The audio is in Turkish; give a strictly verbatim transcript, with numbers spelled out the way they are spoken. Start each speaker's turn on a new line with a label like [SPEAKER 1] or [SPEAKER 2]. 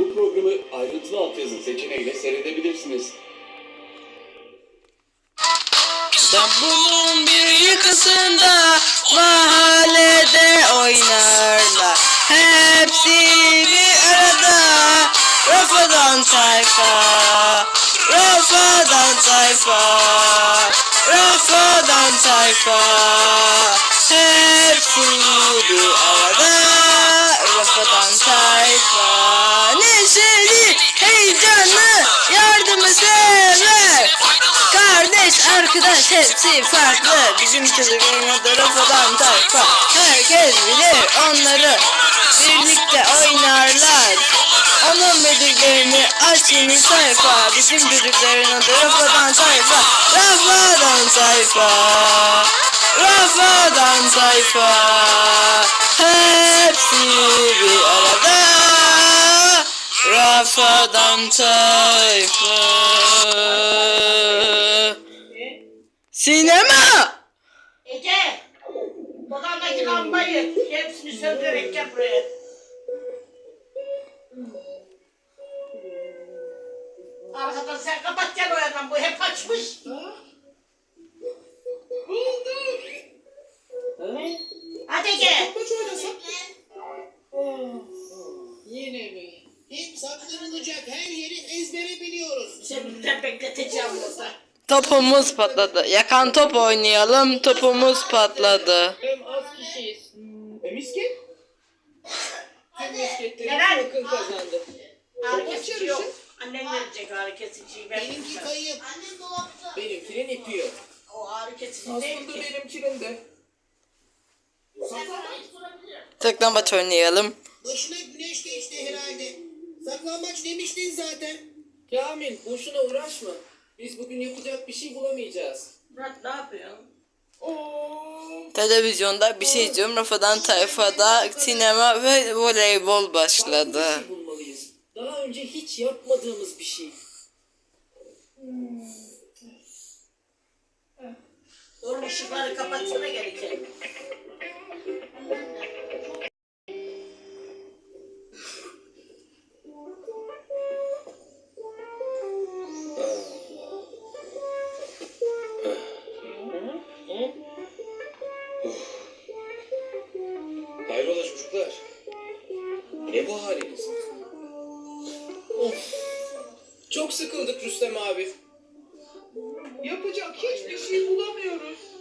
[SPEAKER 1] Bu programı ayrıntılı altyazı seçeneğiyle seyredebilirsiniz.
[SPEAKER 2] İstanbul'un bir yakasında mahallede oynarlar. Hepsi bir arada. Rafadan tayfa, Rafadan tayfa, Rafadan tayfa. Hepsi bir arada. Rafadan tayfa. Neşeli, heyecanlı, yardımı sever. Kardeş, arkadaş hepsi farklı. Bizim çocukların adı Rafadan tayfa. Herkes bilir onları. Birlikte oynarlar. Onun bildiklerini aç yeni sayfa. Bizim çocukların adı Rafadan tayfa. Rafadan tayfa, Rafadan tayfa. Hepsi bir arada. Rafadan tayfa. Sinema!
[SPEAKER 3] Ece! Odandaki lambayı hepsini söndürerek gel buraya. Arkadan sen kapat gel o yandan, bu hep açmış. Hadi Ece!
[SPEAKER 4] Yine mi? Hep saklanılacak her yeri ezbere biliyoruz.
[SPEAKER 3] Seni bir bekleteceğim burada.
[SPEAKER 2] Topumuz patladı. Yakan top oynayalım. Topumuz patladı.
[SPEAKER 4] Hem az kişiyiz. E misket? Tüm misketleri
[SPEAKER 3] Neden?
[SPEAKER 4] yakın kazandı.
[SPEAKER 3] Ağrı kesici yok. Annen verecek ağrı kesiciyi. Ben
[SPEAKER 4] Benimki
[SPEAKER 3] bilmem.
[SPEAKER 4] kayıp. Benimkinin ipi yok.
[SPEAKER 3] O ağrı kesici değil
[SPEAKER 4] Aslında
[SPEAKER 3] ki.
[SPEAKER 4] benimkinin de.
[SPEAKER 2] Saklambaç oynayalım.
[SPEAKER 4] Başına güneş geçti herhalde. Saklambaç demiştin zaten. Kamil boşuna uğraşma. Biz bugün yapacak bir şey bulamayacağız.
[SPEAKER 3] Murat ne yapıyorsun?
[SPEAKER 2] Televizyonda bir şey izliyorum. Rafadan tayfada sinema ve voleybol başladı.
[SPEAKER 4] Farklı bir şey bulmalıyız. Daha önce hiç yapmadığımız bir şey.
[SPEAKER 3] Oğlum ışıkları kapatsana gelecek.
[SPEAKER 1] Hayrola çocuklar? Ne bu haliniz?
[SPEAKER 4] Of. Çok sıkıldık Rüstem abi. Yapacak hiçbir şey bulamıyoruz.